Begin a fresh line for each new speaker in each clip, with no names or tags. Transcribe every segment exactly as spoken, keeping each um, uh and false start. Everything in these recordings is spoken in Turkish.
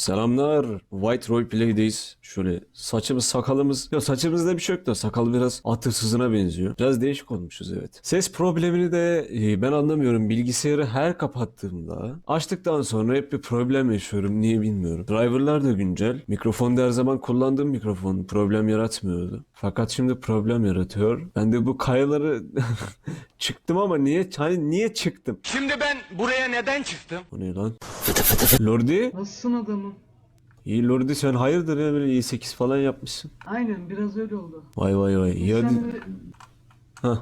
Selamlar. White Roleplay'deyiz. Şöyle saçımız sakalımız. Ya saçımızda bir şey yok da sakal biraz at hırsızına benziyor. Biraz değişik olmuşuz evet. Ses problemini de e, ben anlamıyorum. Bilgisayarı her kapattığımda açtıktan sonra hep bir problem yaşıyorum. Niye bilmiyorum. Driver'lar da güncel. Mikrofon da her zaman kullandığım mikrofon problem yaratmıyordu. Fakat şimdi problem yaratıyor. Ben de bu kayaları çıktım ama niye hani niye çıktım?
Şimdi ben buraya neden çıktım?
Bu ne lan? Lordi?
Nasılsın adamım?
İyi Lordi sen hayırdır ya böyle i sekiz falan yapmışsın.
Aynen biraz öyle oldu.
Vay vay vay. İyi hadi.
Sen de
Hah.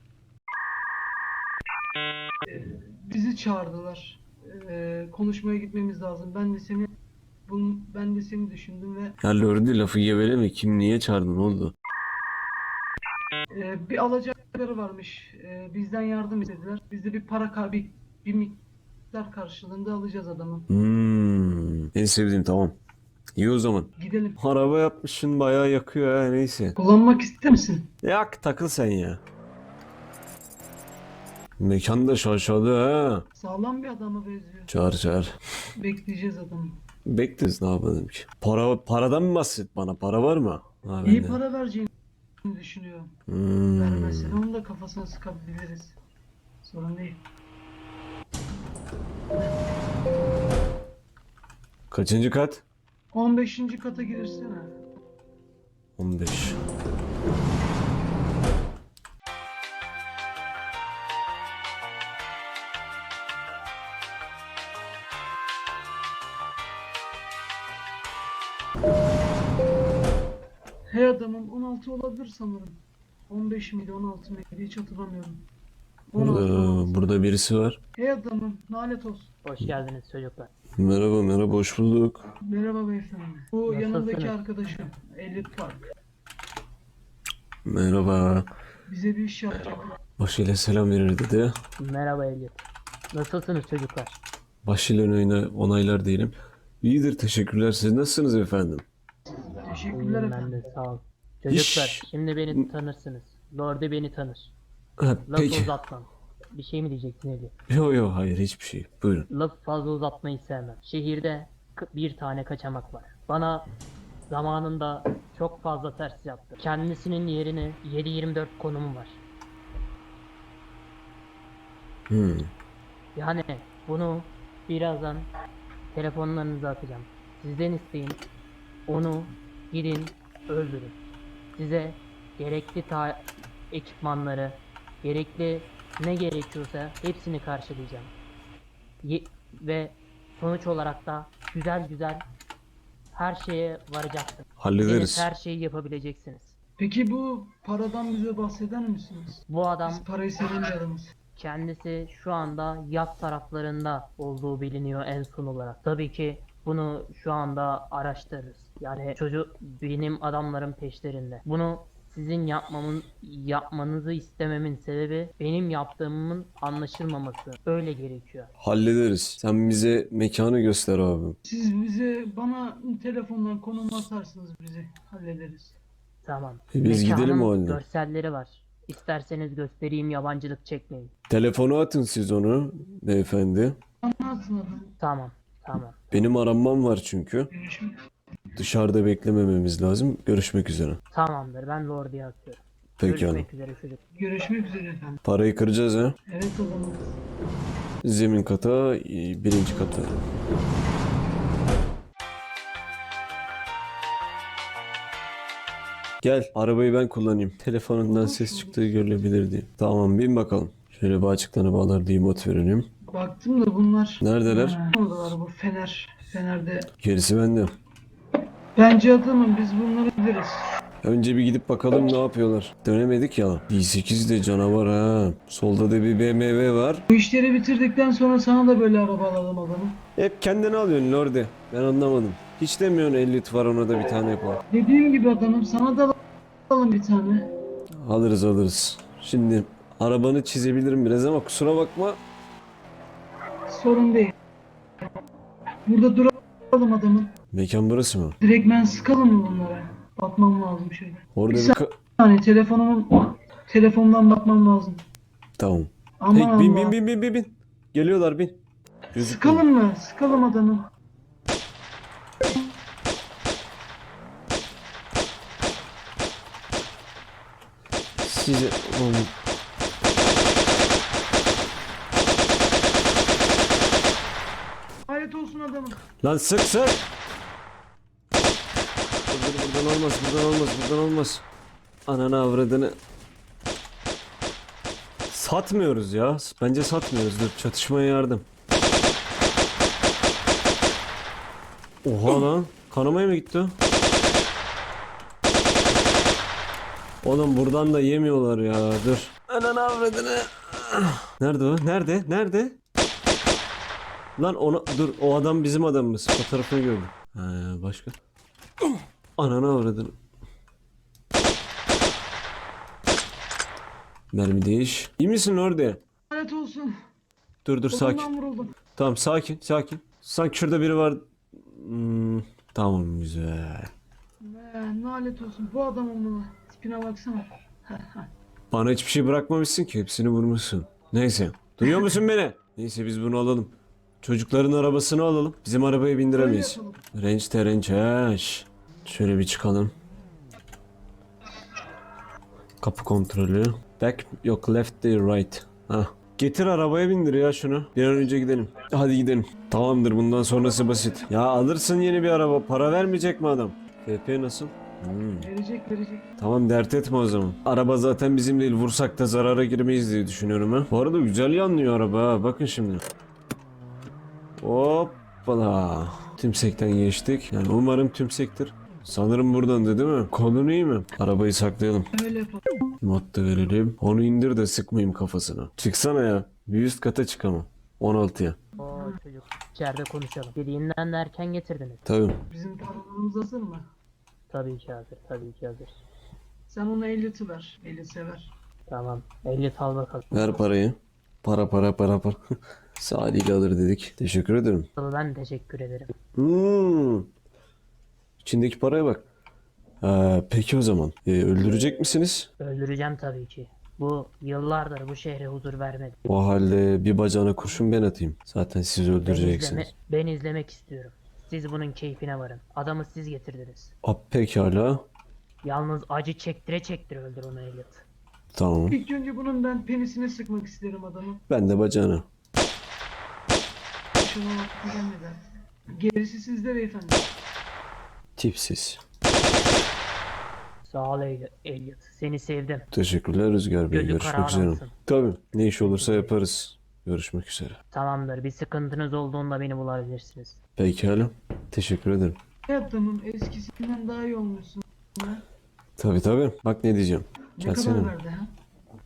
bizi çağırdılar. Ee, konuşmaya gitmemiz lazım. Ben de seni bun, ben de seni düşündüm ve
Ya Lordi lafı geveleme. Kim niye çağırdın oldu?
e, bir alacakları varmış. E, bizden yardım istediler. Biz de bir para ka- bir, bir miktar karşılığında alacağız adamı.
Hmm. En sevdiğim tamam. İyi o zaman.
Gidelim.
Araba yapmışsın bayağı yakıyor ha neyse.
Kullanmak ister misin?
Yak takıl sen ya. Mekan da şaşalı ha.
Sağlam bir adama benziyor.
Çağır çağır.
Bekleyeceğiz adamı.
Bekleriz ne yapalım ki. Para, paradan mı bahset bana? Para var mı? Ha,
İyi
bende.
para vereceğini düşünüyorum.
Hmm.
Vermezsen onu da kafasına sıkabiliriz. Sorun değil.
Kaçıncı kat?
on beşinci kata girsene.
on beş.
Hey adamım on altı olabilir sanırım. on beş miydi on altı mıydı hiç hatırlamıyorum. on altı, on
Burada,
altı.
burada birisi var.
Hey adamım nalet olsun.
Hoş geldiniz çocuklar.
Merhaba merhaba hoş bulduk.
Merhaba beyefendi. Bu
Nasılsınız?
yanındaki arkadaşım Elliot Park.
Merhaba.
Bize bir iş yapacak.
Başıyla selam verir dedi.
Merhaba Elliot. Nasılsınız çocuklar?
Başıyla onayla, onaylar diyelim. İyidir teşekkürler. Siz nasılsınız efendim?
Teşekkürler
İyiyim ben
efendim.
de sağ ol. Çocuklar
İş-
şimdi beni tanırsınız. Lord'u beni tanır.
Ha,
Lafı
peki.
uzatmam. Bir şey mi diyeceksin Elliot?
Yo yo hayır hiçbir şey. Buyurun.
Laf fazla uzatmayı sevmem. Şehirde k- bir tane kaçamak var. Bana zamanında çok fazla ters yaptı. Kendisinin yerine yedi yirmi dört konumu var.
Hmm.
Yani bunu birazdan telefonlarınıza atacağım. Sizden isteyin. Onu gidin öldürün. Size gerekli ta ekipmanları, gerekli ne gerekiyorsa hepsini karşılayacağım. Ye- ve sonuç olarak da güzel güzel her şeye varacaksınız.
Hallederiz.
Her şeyi yapabileceksiniz.
Peki bu paradan bize bahseder misiniz?
Bu adam
Biz parayı seven bir adamız.
kendisi şu anda yat taraflarında olduğu biliniyor en son olarak. Tabii ki bunu şu anda araştırırız. Yani çocuk benim adamların peşlerinde. Bunu sizin yapmamın yapmanızı istememin sebebi benim yaptığımın anlaşılmaması. Öyle gerekiyor.
Hallederiz. Sen bize mekanı göster abi.
Siz bize bana telefondan konum atarsınız bizi hallederiz.
Tamam.
E biz
Mekanın
gidelim o halde.
görselleri var. İsterseniz göstereyim, yabancılık çekmeyin.
Telefonu atın siz onu beyefendi.
Anlatsın adamı.
Tamam. Tamam.
Benim aranmam var çünkü.
Görüşmek,
Dışarıda beklemememiz lazım. Görüşmek üzere.
Tamamdır. Ben Lord'a atıyorum.
Peki hanım.
Görüşmek üzere çocuk.
görüşmek üzere efendim.
Parayı kıracağız ha.
Evet adamım.
Zemin kata, e, birinci kata. Gel, arabayı ben kullanayım. Telefonundan ses çıktığı görülebilir diye. Tamam, bin bakalım. Şöyle bir açıklarına bağlar diye mod verelim.
Baktım da bunlar.
Neredeler?
Ha, oradalar bu fener. Fenerde.
Gerisi bende.
Bence adamım biz bunları biliriz.
Önce bir gidip bakalım ne yapıyorlar. Dönemedik ya. i sekiz de canavar ha. Solda da bir B M W var.
Bu işleri bitirdikten sonra sana da böyle araba alalım adamım.
Hep kendini alıyorsun Lorde. Ben anlamadım. Hiç demiyorsun elli var ona da bir tane yapalım.
Dediğim gibi adamım sana da alalım bir tane.
Alırız alırız. Şimdi arabanı çizebilirim biraz ama kusura bakma.
Sorun değil. Burada duralım adamım.
Mekan burası mı?
Direkt ben sıkalım mı bunlara? Bakmam lazım şöyle.
Orada
Bir
bir ka-
saniye telefonumun telefondan bakmam lazım.
Tamam.
Aman
Hey, bin
Allah.
bin bin bin bin bin. Geliyorlar bin. Gözükmüyor.
Sıkalım mı? Sıkalım adamı.
Sizi... Oğlum,
Hayret olsun adamım.
lan sık sık. Dur, dur, buradan olmaz, buradan olmaz, buradan olmaz. Ananı avradını. Satmıyoruz ya. Bence satmıyoruz. Dur, çatışmaya yardım. Oha lan. Kanamaya mı gitti o? Oğlum buradan da yemiyorlar ya. Dur. Ananı avradını. Nerede o? Nerede? Nerede? Lan ona dur, o adam bizim adamımız. Fotoğrafını gördüm. Ha, başka? Ananı avradını. Mermi değiş. İyi misin orada?
Hayret olsun.
Dur dur sakin.
Kolumdan vuruldum.
Tamam sakin sakin. Sanki şurada biri var. Hmm, tamam güzel.
Ne, lanet olsun. Bu adamın bunu. Tipine baksana.
Bana hiçbir şey bırakmamışsın ki. Hepsini vurmuşsun. Neyse. Duyuyor musun beni? Neyse biz bunu alalım. Çocukların arabasını alalım. Bizim arabaya bindiremeyiz.
Öyle yapalım.
Range terençeş. Şöyle bir çıkalım. Kapı kontrolü. Back yok, left değil, right. Hah. Getir arabaya bindir ya şunu. Bir an önce gidelim. Hadi gidelim. Tamamdır, bundan sonrası basit. Ya alırsın yeni bir araba. Para vermeyecek mi adam? F P nasıl? Hmm.
Verecek verecek.
Tamam, dert etme o zaman. Araba zaten bizim değil. Vursak da zarara girmeyiz diye düşünüyorum ha. Bu arada güzel yanlıyor araba ha. Bakın şimdi. Hoppala. Tümsekten geçtik. Yani umarım tümsektir. Sanırım buradandı değil mi? Konun iyi mi? Arabayı saklayalım.
Öyle yapalım.
Mod da verelim. Onu indir de sıkmayayım kafasına. Çıksana ya. Bir üst kata çıkamam. on altıya.
O çocuk içeride konuşalım. Dediğinden de erken getirdiniz.
Tabii.
Bizim paralarımız hazır mı?
Tabii ki hazır, tabii ki hazır.
Sen ona Elliot'ı ver. Elliot sever.
Tamam. ehliyet al bakalım.
Ver parayı. Para para para para. Sadiyle alır dedik. Teşekkür ederim.
Ben teşekkür ederim.
Hmm. İçindeki paraya bak. Ee, peki o zaman. Ee, öldürecek misiniz?
Öldüreceğim tabii ki. Bu yıllardır bu şehre huzur vermedi.
O halde bir bacağına kurşun ben atayım. Zaten siz
Ben, izleme,
öldüreceksiniz.
ben izlemek istiyorum. Siz bunun keyfine varın. Adamı siz getirdiniz.
A, pekala.
Yalnız acı çektire çektire öldür onu Elliot.
Tamam.
İlk önce bunun ben penisine sıkmak isterim adamı.
Ben de bacağına.
Şuna vakti gelmeden. Gerisi sizde beyefendi.
Tipsiz.
Sağ ol El- Elliot. Seni sevdim.
Teşekkürler Rüzgar Bey.
Gözü
Görüşmek
kara
üzere.
adamsın.
Tabii. Ne iş olursa yaparız. Görüşmek üzere.
Tamamdır. Bir sıkıntınız olduğunda beni bulabilirsiniz.
Pekala. Teşekkür ederim.
Ne adamım eskisinden daha iyi olmuşsun. Ha?
Tabii tabii. Bak ne diyeceğim.
Ne
Gelsene.
kadar verdi ha?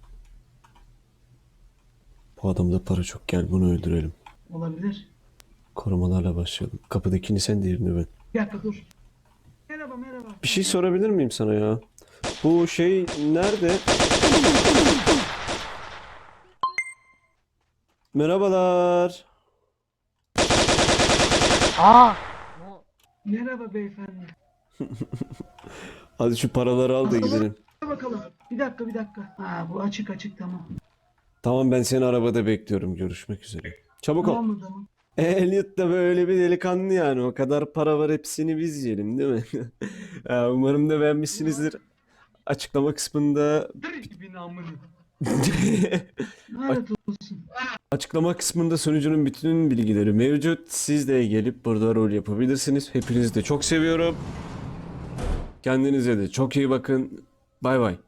Bu adamda para çok. Gel bunu öldürelim.
Olabilir.
Korumalarla başlayalım. Kapıdakini sen, diğerini ben.
Bir dakika dur. Merhaba merhaba.
Bir şey sorabilir miyim sana ya? Bu şey nerede? Merhabalar.
Aa! No.
Merhaba beyefendi.
Hadi şu paraları al da gidelim.
Dur bakalım. Bir dakika bir dakika. Ha bu açık açık tamam.
Tamam, ben seni arabada bekliyorum. Görüşmek üzere. Çabuk ol.
Tamam mı tamam?
E, Elliot da böyle bir delikanlı yani. O kadar para var, hepsini biz yiyelim değil mi? Ya, umarım da beğenmişsinizdir. Açıklama kısmında
Direkt gibi namını. Lanet olsun.
Açıklama kısmında sunucunun bütün bilgileri mevcut. Siz de gelip burada rol yapabilirsiniz. Hepinizi de çok seviyorum. Kendinize de çok iyi bakın. Bay bay.